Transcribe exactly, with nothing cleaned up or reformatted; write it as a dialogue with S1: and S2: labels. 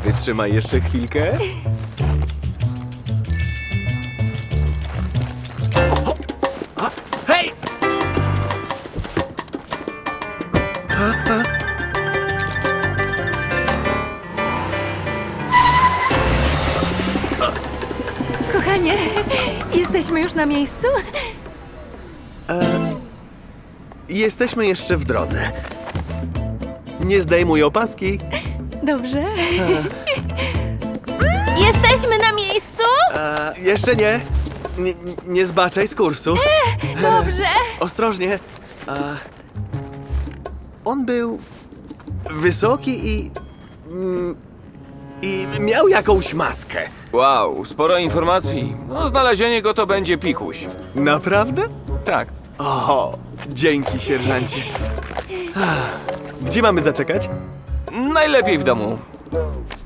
S1: Wytrzymaj jeszcze chwilkę. A, hej!
S2: Kochanie, jesteśmy już na miejscu?
S1: Jesteśmy jeszcze w drodze. Nie zdejmuj opaski.
S2: Dobrze. Jesteśmy na miejscu?
S1: E, jeszcze nie. nie. Nie zbaczaj z kursu.
S2: Dobrze.
S1: Ostrożnie. E, on był wysoki i... mm, I miał jakąś maskę.
S3: Wow, sporo informacji. No, znalezienie go to będzie pikuś.
S1: Naprawdę?
S3: Tak.
S1: O, dzięki, sierżancie. Ach, Gdzie mamy zaczekać?
S3: Najlepiej w domu.